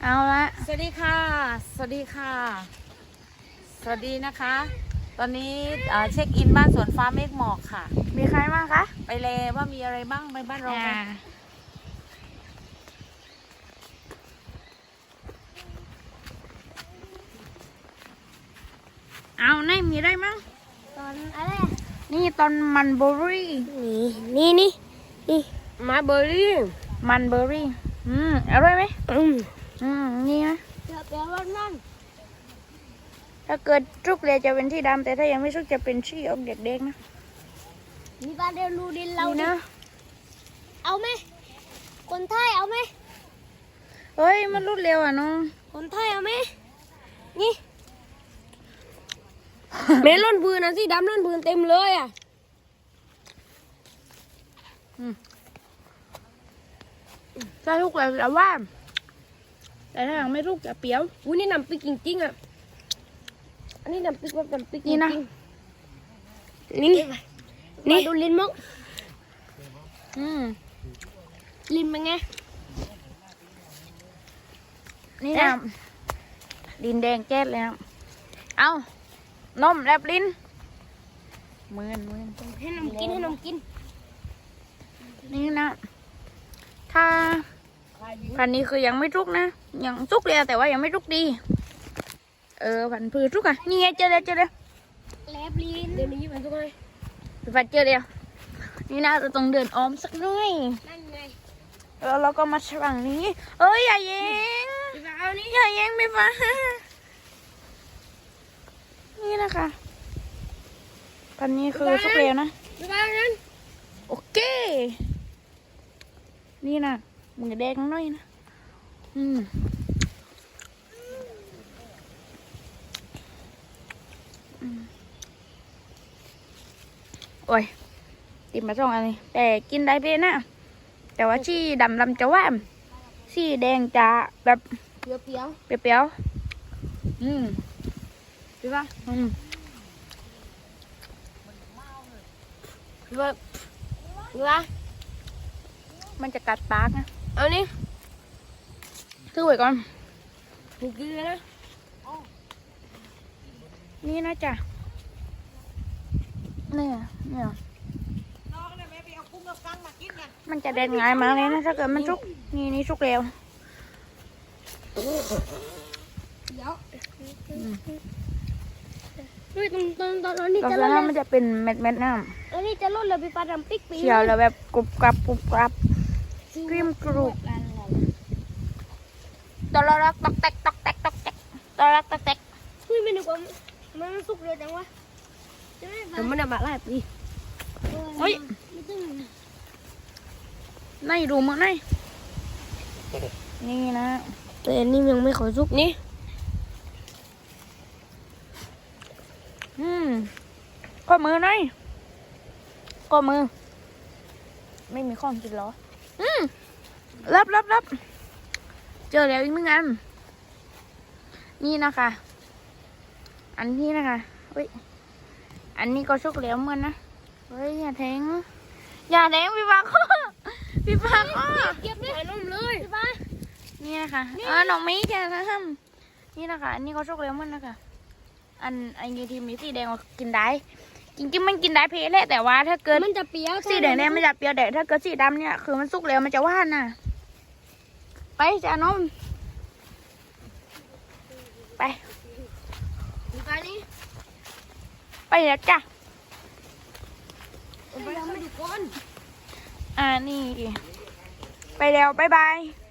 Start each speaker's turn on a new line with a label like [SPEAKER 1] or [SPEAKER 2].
[SPEAKER 1] เอาละ
[SPEAKER 2] สวัสดีค่ะสวัสดีค่ะสวัสดีนะคะ ตอนนี้เช็คอินบ้านสวนฟ้าเมฆหมอกค่ะ
[SPEAKER 1] มีใครบ้างคะ
[SPEAKER 2] ไปเลยว่ามีอะไรบ้างไปบ้านเรากัน
[SPEAKER 1] เอาไหนมีอะไรมั้ง
[SPEAKER 3] ตอนอะไร
[SPEAKER 1] นี่ตอนมันเบอร์รี่
[SPEAKER 3] นี่มาเบอร์รี่
[SPEAKER 1] มันเบอร์รี่อร่อยไหมนี่นะ
[SPEAKER 3] เดี๋ยวรถนั่น
[SPEAKER 1] ถ้าเกิดชุกเลยจะเป็นสีดำแต่ถ้ายังไม่ชุกจะเป็นสีออกเด็กๆนะ
[SPEAKER 3] มีปลาเดลูดินเรา
[SPEAKER 1] นะ
[SPEAKER 3] เอาไหมคนไทยเอาไหม
[SPEAKER 1] เฮ้ยมันรุดเร็วอ่ะน้อง
[SPEAKER 3] คนไทยเอาไหมนี่เมลอนปืนนะสีดำลอนปืนเต็มเลยอ่ะ
[SPEAKER 1] ถ้าชุกเลยจะว่าแต่ถ้ายังไม่ชุกจะเปรี้ยว
[SPEAKER 3] อุ้ยนี่น้ำพริกจริงๆอ่ะอันนี้น้ำพริกแบบน้ำพริกจริงนี่ดูลิ้นมุกลิ้นเป็นไง
[SPEAKER 1] นี่นะดินแดงแก๊สเลยนะเอานมแลบลิ้นมือน
[SPEAKER 3] ให้นมกิน
[SPEAKER 1] นี่นะถ้าพันนี้คือยังไม่จุกนะยังจุกเลยแต่ว่ายังไม่จุกดีพันพืชจุกอ่ะนี่ไงเจอเลย
[SPEAKER 3] แลบลิ้นเดี๋ยวนี้มันจุกเลย
[SPEAKER 1] พันเจอเลยนี่นะจะต้องเดินอ้อมสักหน่อย
[SPEAKER 3] นั่นไง
[SPEAKER 1] แล้วเราก็มาฝั่งนี้เอ้ยอย่าแย่งอย่าแย่งไม่ฟ้านี่นะคะพันนี้คือจุกเร็วนะโอเคนี่นะมือแดงหน่อยนะโอ้ยติดมาสองอันนี้แต่กินได้เพลนะแต่ว่าชีดำลำจะว่าชีแดงจะแบบ
[SPEAKER 3] เปรี้ยว
[SPEAKER 1] เปรี้ยวใช่ปะมันจะกัดปากนะ
[SPEAKER 3] เอานี่
[SPEAKER 1] ถือไว้ก่อน
[SPEAKER 3] ถูกกินเลยนะ
[SPEAKER 1] นี่นะจ๊ะเนี่ยมันจะเด่นง่ายมากเลยนะถ้าเกิดมันชุกนี่ชุกเร็ว
[SPEAKER 3] เดี๋ยวตอนนี้
[SPEAKER 1] ก่อน
[SPEAKER 3] จะ
[SPEAKER 1] ห
[SPEAKER 3] ล
[SPEAKER 1] น้า
[SPEAKER 3] ด
[SPEAKER 1] มันจะเป็นเม็ดน้
[SPEAKER 3] ตอนนี้จะลดเลยพี่ปลาดำปิ๊กปี
[SPEAKER 1] ำเขียวแล้วแบบกรุบกรับกริมกรุบตอรักตอกแตกตอรักตอกแตก
[SPEAKER 3] คุยไม่นึกว่ามันสุกเร็วจังวะแต่มันมาหลายปี
[SPEAKER 1] เฮ้ยในดูมั้งในนี่นะ
[SPEAKER 3] แต่อันนี้ยังไม่ขอสุกนี่
[SPEAKER 1] ข้อมือหน่อยข้อมือไม่มีข้องกินหรอรับเจอแล้วอีก1 อันนี่นะคะอันนี้นะคะเฮ้ยอันนี้ก็ชุกแล้วเหมือนนะเฮ้ยอย่าแทงพี่ปากพี่ปาก
[SPEAKER 3] เก็บเลยนมเลยพี่ปา
[SPEAKER 1] นี่นะคะน้องมิ้งแกนะนี่นะคะอันนี้ก็ชุกแล้วเหมือนนะคะอันนี้ทีมีสีแดงกินได้จริงๆมันกินได้เพลแหละแต่ว่าถ้าเกิด
[SPEAKER 3] มันจะเปรี้ยว
[SPEAKER 1] สีแดงมันจะเปรี้ยวแต่ถ้าเกิดสีดำเนี่ยคือมันสุกแล้วมันจะหวานน่ะไปจ้านมไป
[SPEAKER 3] นี่
[SPEAKER 1] ไปแล้วจ้ะ
[SPEAKER 3] ไปแล้วไม่ดูก้น
[SPEAKER 1] นี่ไปแล้วบ๊ายบาย